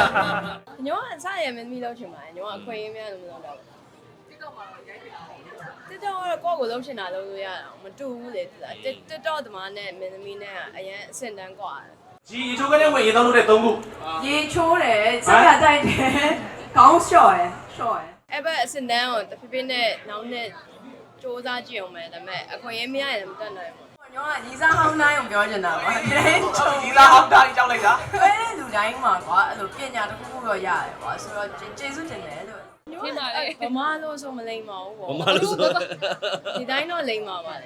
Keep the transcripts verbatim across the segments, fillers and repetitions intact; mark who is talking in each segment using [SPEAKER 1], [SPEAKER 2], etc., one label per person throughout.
[SPEAKER 1] ညောအစားရမင်းသမီးလောက်ချင်ပါတယ်ညောအခွင့်အရေးများလို့မလုပ်တော့ဘူး TikTok မှာရိုက်ပြီလား TikTok ကတော့ကိုယ့်ကိုလုံးချင်တာလုံးလို့ရတာမတူဘူးလေသူက TikTok သမားနဲ့မင်းသမီးနဲ့ကအရင်အဆင့်တန်းกว่า
[SPEAKER 2] ကြီးရေချိုးကလေးဝင်ရေတောင်းလို့တဲ့သုံးခု
[SPEAKER 3] ရေချိုးတယ်စက်ရတိုက်တယ်ခေါင်းလျှော့ရယ်လျှော့ရယ်
[SPEAKER 1] အဲ့ဘက်အဆင့်တန်းကိုတဖြည်းဖြည်းနဲ့နောက်နဲ့စူးစမ်းကြည့်အောင်မယ်ဒါပေမဲ့အခွင့်အရေးမရရင်မတတ်နိုင်ဘူး
[SPEAKER 3] ညောကညီစားဟောင်းတိုင်းကိုပြောချင်တာပါတဲ့ချုံ
[SPEAKER 2] ညီလာဟောင်းတိုင်းကြောက်လိုက်တာ
[SPEAKER 3] ဘယ်လူတိုင်းမှာကွာအဲ့လိုပညာတစ်ခုခုတော့ရတယ်ကွာဆိုတော့ကျေးဇူးတင်တယ်လို့
[SPEAKER 1] ဒီမှာလေဗမာလို့ဆိုမလိမ့်ပါဘူးပေါ့
[SPEAKER 4] ဗမာလို့ဆို
[SPEAKER 1] ဒီတိုင်းတော့လိမ့်ပါပါလေ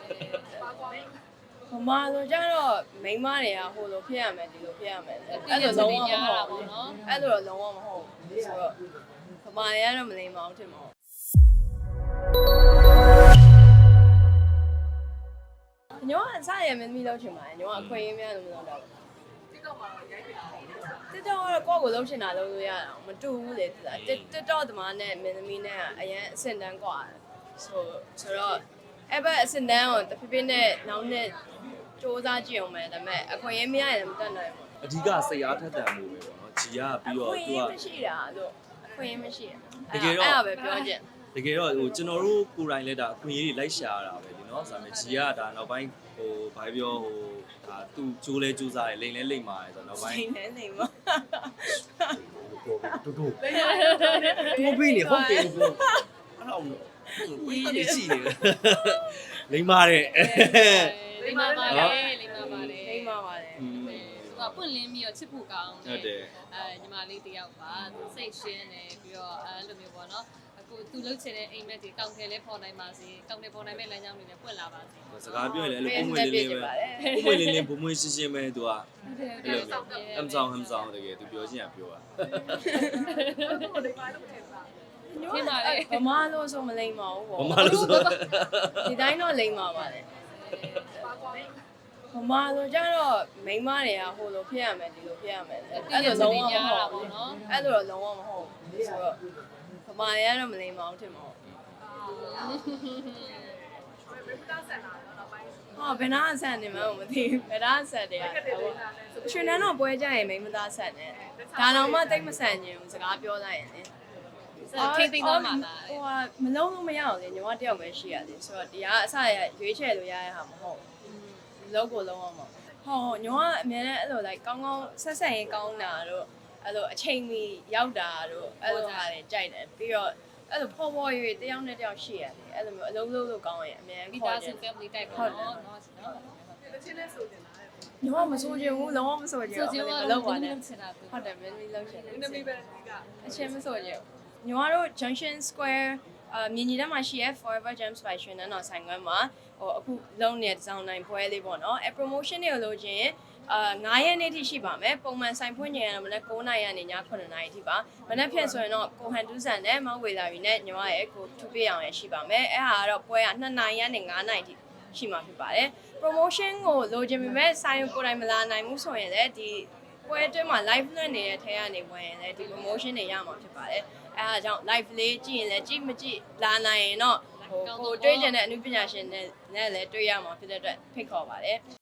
[SPEAKER 1] ဗမာလို့ကျတော့မိန်းမတွေကဟိုလိုဖြစ်ရမယ်ဒီလိုဖြစ်ရမယ်အဲ့လိုလုံးဝမဟုတ်ဘူးနော်အဲ့လိုတော့လုံးဝမဟုတ်ဘူးဆိုတော့ဗမာတွေကတော့မလိမ့်ပါဘူးထင်ပါညောအစားရမင်းသမီးလောက်ချင်ပါတယ်ညောအခွင့်အရေးများလို့မလုပ်တော့ဘူး TikTok မှာရိုက်ပြီလား TikTok ကတော့ကိုယ့်ကိုလုံးချင်တာလုံးလို့ရတာမတူဘူးလေသူက TikTok သမားနဲ့မင်းသမီးနဲ့ကအရင်အဆင့်တန်းกว่าဆိုဆိုတော့အဲ့ဘက်အဆင့်တန်းကိုတဖြည်းဖြည်းနဲ့နောက်နဲ့စူးစမ်းကြည့်အောင်မယ်ဒါပေမဲ့အခွင့်အရေးမရရင်မတတ်နိုင်ဘူး
[SPEAKER 4] အဓိကစိတ်အားထက်သန်မှုပဲပေါ့နော်ဂျီကပြီးတော့
[SPEAKER 1] သူကမရှိတာလို့အခွင့်အရေးမရှိ
[SPEAKER 4] တကယ်တော့
[SPEAKER 1] အဲ့ဒါပဲပြောချင်
[SPEAKER 4] တကယ်တော့ဟိုကျွန်တော်တို့ကိုယ်တိုင်လည်းဒါအခွင့်အရေးတွေလိုက်ရှာရတာပဲဒီနော်ဆိုတော့ဂျီကဒါနောက်ပိုင်းဟိုဘာပြောဟိုဒါသူ့ကျိုးလဲကျိုးစားတယ်လိန်လဲလိန်ပါတယ်ဆိုတော့နောက်ပိုင်း
[SPEAKER 1] လိန်လဲလိန်ပါ
[SPEAKER 4] တူတူတူပြီးနေဟုတ်တယ်ပြောအဲ့တော့ဝီးနေရှိနေလိန်ပါတယ်
[SPEAKER 5] လိမ္မာပါလေလိမ္မာပါလေ
[SPEAKER 1] လိမ္မာပါလေ
[SPEAKER 5] သူကပွင့်လင်းပြီးတော့ချစ်ဖို့ကောင်း
[SPEAKER 4] ဟုတ်တယ်
[SPEAKER 5] အဲညီမလေးတယောက်ပါသူစိတ်ရှင်းတယ်ပြီးတော့အဲလိုမျိုးပေါ့နော်အခုသူလှုပ်ချင်တဲ့အိမ်မက်တွေကောင်းခဲလဲပေါ်နိုင်ပါစေကောင်းတယ်ပေါ်နိုင်မဲ့လမ်းကြောင်းတွေလည်းပွင့်လာပါစေ
[SPEAKER 4] စကားပြောရင်လည်းအဲ့လိုပုံမွေးလေးလေးပဲပုံမွေးလေးလေးပုံမွေးရှင်းရှင်းပဲသူကအဲ့လိုအမ်ဆောင်ဟမ်ဆောင်တကယ်သူပြောချင်ရပြောတာ
[SPEAKER 1] ဒီမှာလေဗမာလို့ဆိုမလိမ့်ပါဘူးပေါ့
[SPEAKER 4] ဗမာလို့ဆို
[SPEAKER 1] ဒီတိုင်းတော့လိမ့်ပါပါလေဗမာလို့ကျတော့မိန်းမတွေကဟိုလိုဖြစ်ရမယ်ဒီလိုဖြစ်ရမယ်အဲ့လိုလုံးဝမဟုတ်ဘူးနော်အဲ့လိုတော့လုံးဝမဟုတ်ဘူးဆိုတော့ဗမာတွေကတော့မလိမ့်ပါဘူးထင်ပါဘူးဟာဘယ်နာဆန်နေမှမသိဘူးဘယ်နာဆန်တယ်ရွှေနန်းတော့ပွဲကြရင်မိန်းမသားဆန်တယ်ဒါတော့မှတိတ်မဆန်ချင်ဘူးစကားပြောလိုက်ရင်လေ
[SPEAKER 5] ထိသိမ်းသွားမှာလား
[SPEAKER 1] ဟိုကမလုံးလို့မရအောင်လေညီမတယောက်ပဲရှိရတယ်ဆိုတော့ဒီကအစရရွေးချယ်လို့ရတဲ့ဟာမဟုတ်ဘူးလုံးကိုလုံးအောင်မဟောညီမကအများနဲ့အဲ့လို like ကောင်းကောင်းဆက်ဆက်ရင်ကောင်းတာတို့အဲ့လိုအချိန်မီရောက်တာတို့အဲ့လိုဟာတွေကြိုက်တယ်ပြီးတော့အဲ့လိုဖော်ဖော်ရွေတယောက်နဲ့တယောက်ရှိရတယ်အဲ့လိုမျိုးအလုံးလုံးလို့ကောင်းရင်အများကြီးခေါ်တယ်
[SPEAKER 5] family type ပေါ့နော်နော်
[SPEAKER 1] တချင်းနဲ့ဆိုတင်တာညီမမဆိုချင်ဘူးလုံးဝမဆိုချင်ဘူးမလုပ်ပါနဲ့ဟုတ်တယ်မင်းမီးလောက်ချင်တယ်မင်းမီးပဲအချင်းမဆိုချင်ညီမတို့ Junction Square အမြင်းကြီးထဲမှာရှိရ Forever Gems by ရွှေနန်းတော်ဆိုင်ခွဲမှာဟိုအခုလုံးနေတဲ့ဒီဇိုင်းနိုင်ပွဲလေးပေါ့နော်အဲ promotion တွေကိုလို့ချင်းအာနင်းရက်နေ့ထိရှိပါမယ်ပုံမှန်ဆိုင်ဖွင့်ချိန်ကတော့မနက်9:00နာရီကနေည9:00နာရီထိပါမနက်ဖြန်ဆိုရင်တော့ကိုဟန်တူးဆန်နဲ့မောင်ဝေလာရီနဲ့ညီမရဲ့ကိုထူပြအောင်ရရှိပါမယ်အဲဟာကတော့ပွဲက2နာရီကနေ9နာရီထိရှိမှာဖြစ်ပါတယ် promotion ကိုလိုချင်ပေမဲ့ဆိုင်ကိုတိုင်မလာနိုင်ဘူးဆိုရင်လည်းဒီပွဲအတွင်းမှာ live လွှင့်နေတဲ့ထဲကနေဝင်ရင်လည်းဒီ promotion တွေရမှာဖြစ်ပါတယ်အဲအားကြောင့် live လေးကြည့်ရင်လည်းကြည့်မကြည့်လာနိုင်ရင်တော့ဟိုကိုတွေးကြတဲ့အမှုပညာရှင်နဲ့လည်းတွေ့ရမှာဖြစ်တဲ့အတွက်ဖိတ်ခေါ်ပါတယ်